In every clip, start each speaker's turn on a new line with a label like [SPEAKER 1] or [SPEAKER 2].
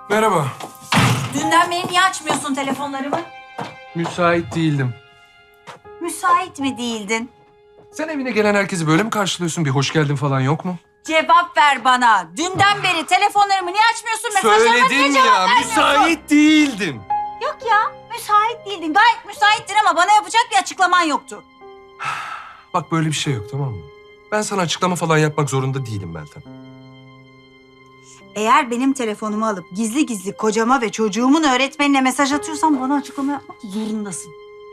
[SPEAKER 1] Merhaba.
[SPEAKER 2] Dünden beri niye açmıyorsun telefonlarımı?
[SPEAKER 1] Müsait değildim.
[SPEAKER 2] Müsait mi değildin?
[SPEAKER 1] Sen evine gelen herkesi böyle mi karşılıyorsun? Bir hoş geldin falan yok mu?
[SPEAKER 2] Cevap ver bana. Dünden beri telefonlarımı niye açmıyorsun? Mesajlarıma niye
[SPEAKER 1] Söyledim
[SPEAKER 2] cevap
[SPEAKER 1] ya,
[SPEAKER 2] vermiyorsun?
[SPEAKER 1] müsait değildim.
[SPEAKER 2] Yok ya, müsait değildin. Gayet müsaittin ama bana yapacak bir açıklaman yoktu.
[SPEAKER 1] Bak böyle bir şey yok, tamam mı? Ben sana açıklama falan yapmak zorunda değilim Meltem.
[SPEAKER 2] Eğer benim telefonumu alıp gizli gizli kocama ve çocuğumun öğretmenine mesaj atıyorsan bana açıklama yapmak zorundasın.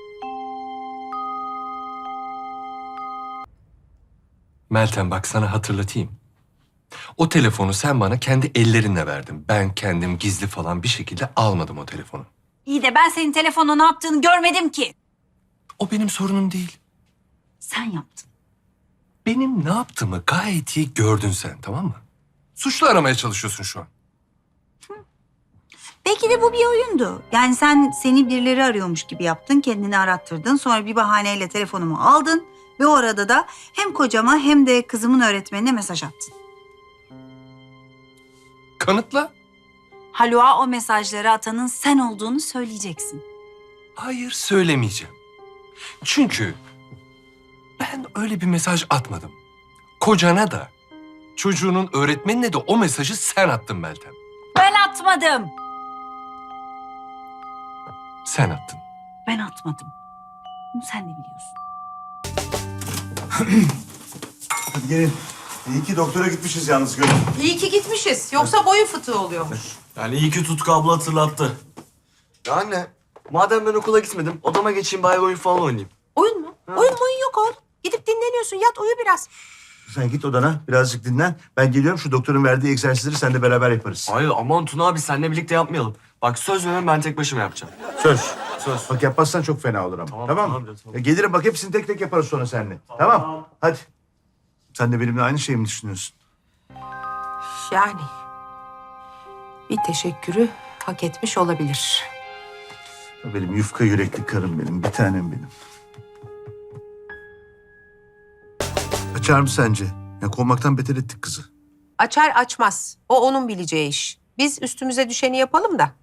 [SPEAKER 1] Meltem bak sana hatırlatayım. O telefonu sen bana kendi ellerinle verdin. Ben kendim gizli falan bir şekilde almadım o telefonu.
[SPEAKER 2] İyi de ben senin telefonla ne yaptığını görmedim ki.
[SPEAKER 1] O benim sorunum değil.
[SPEAKER 2] Sen yaptın.
[SPEAKER 1] Benim ne yaptığımı gayet iyi gördün sen, tamam mı? Suçlu aramaya çalışıyorsun şu an.
[SPEAKER 2] Belki de bu bir oyundu. Yani sen seni birileri arıyormuş gibi yaptın, kendini arattırdın. Sonra bir bahaneyle telefonumu aldın. Ve o arada da hem kocama hem de kızımın öğretmenine mesaj attın.
[SPEAKER 1] Kanıtla.
[SPEAKER 2] Haluk'a o mesajları atanın sen olduğunu söyleyeceksin.
[SPEAKER 1] Hayır, söylemeyeceğim. Çünkü ben öyle bir mesaj atmadım. Kocana da, çocuğunun öğretmenine de o mesajı sen attın Meltem.
[SPEAKER 2] Ben atmadım.
[SPEAKER 1] Sen attın.
[SPEAKER 2] Ben atmadım. Bunu sen de biliyorsun.
[SPEAKER 3] Hadi gelin. İyi ki doktora gitmişiz yalnız Gönül.
[SPEAKER 4] İyi ki gitmişiz. Yoksa boyun fıtığı oluyormuş.
[SPEAKER 5] Yani iyi ki Tutku abla hatırlattı.
[SPEAKER 6] Ya anne, madem ben okula gitmedim, odama geçeyim bari oyun falan oynayayım.
[SPEAKER 4] Oyun mu? Oyun yok oğlum. Gidip dinleniyorsun. Yat uyu biraz.
[SPEAKER 3] Sen git odana birazcık dinlen. Ben geliyorum, şu doktorun verdiği egzersizleri seninle beraber yaparız.
[SPEAKER 6] Hayır aman Tuna abi seninle birlikte yapmayalım. Bak söz veriyorum ben tek başıma yapacağım.
[SPEAKER 3] Söz.
[SPEAKER 6] Söz.
[SPEAKER 3] Bak yapmazsan çok fena olur ama.
[SPEAKER 6] Tamam,
[SPEAKER 3] Tamam mı?
[SPEAKER 6] tamam, tamam.
[SPEAKER 3] Gelirim bak hepsini tek tek yaparız sonra seninle. Tamam. Hadi. Sen de benimle aynı şeyi mi düşünüyorsun?
[SPEAKER 4] Yani bir teşekkürü hak etmiş olabilir.
[SPEAKER 3] Benim yufka yürekli karım benim. Bir tanem benim. Açar mı sence? Ya kovmaktan beter ettik kızı.
[SPEAKER 4] Açar açmaz. O onun bileceği iş. Biz üstümüze düşeni yapalım da.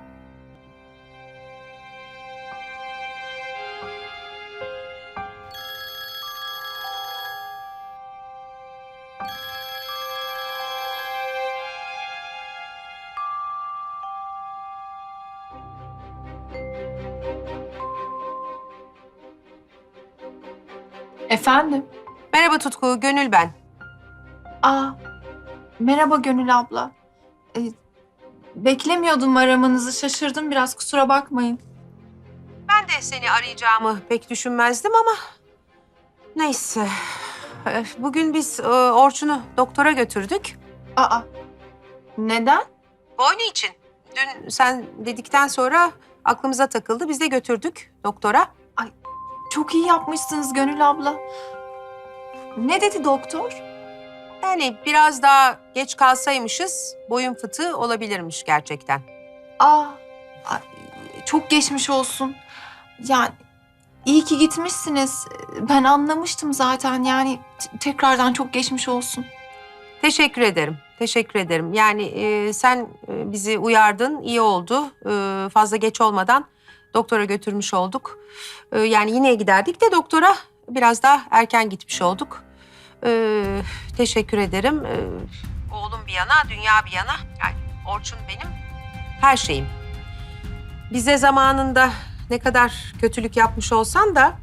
[SPEAKER 7] Efendim?
[SPEAKER 4] Merhaba Tutku, Gönül ben.
[SPEAKER 7] Merhaba Gönül abla. Beklemiyordum aramanızı. Şaşırdım biraz, kusura bakmayın.
[SPEAKER 4] Ben de seni arayacağımı pek düşünmezdim ama... Neyse. Bugün biz Orçun'u doktora götürdük.
[SPEAKER 7] Neden?
[SPEAKER 4] Boynu için. Dün sen dedikten sonra aklımıza takıldı. Biz de götürdük doktora.
[SPEAKER 7] Çok iyi yapmışsınız Gönül abla. Ne dedi doktor?
[SPEAKER 4] Yani biraz daha geç kalsaymışız boyun fıtığı olabilirmiş gerçekten.
[SPEAKER 7] Ay, çok geçmiş olsun. Yani iyi ki gitmişsiniz. Ben anlamıştım zaten, yani tekrardan çok geçmiş olsun.
[SPEAKER 4] Teşekkür ederim. Teşekkür ederim. Yani sen bizi uyardın, iyi oldu. Fazla geç olmadan doktora götürmüş olduk. Yani yine giderdik de doktora biraz daha erken gitmiş olduk. Teşekkür ederim. Oğlum bir yana, dünya bir yana. Yani Orçun benim her şeyim. Bize zamanında ne kadar kötülük yapmış olsan da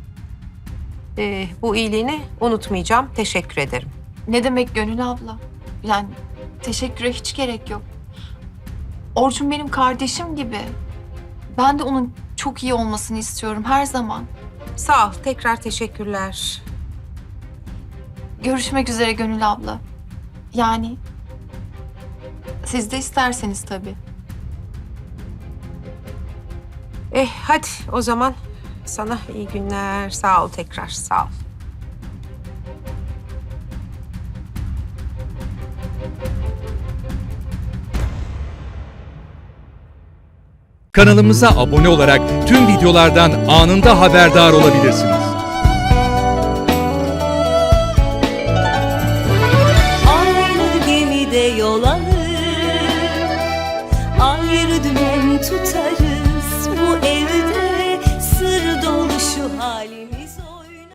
[SPEAKER 4] bu iyiliğini unutmayacağım. Teşekkür ederim.
[SPEAKER 7] Ne demek Gönül abla? Yani teşekküre hiç gerek yok. Orçun benim kardeşim gibi. Ben de onun çok iyi olmasını istiyorum her zaman.
[SPEAKER 4] Sağ ol. Tekrar teşekkürler.
[SPEAKER 7] Görüşmek üzere Gönül abla. Yani siz de isterseniz tabii.
[SPEAKER 4] Hadi o zaman sana iyi günler. Sağ ol tekrar. Sağ ol.
[SPEAKER 8] Kanalımıza abone olarak tüm videolardan anında haberdar olabilirsiniz.
[SPEAKER 9] Aynı gemide yol alır, bir dümen tutarım.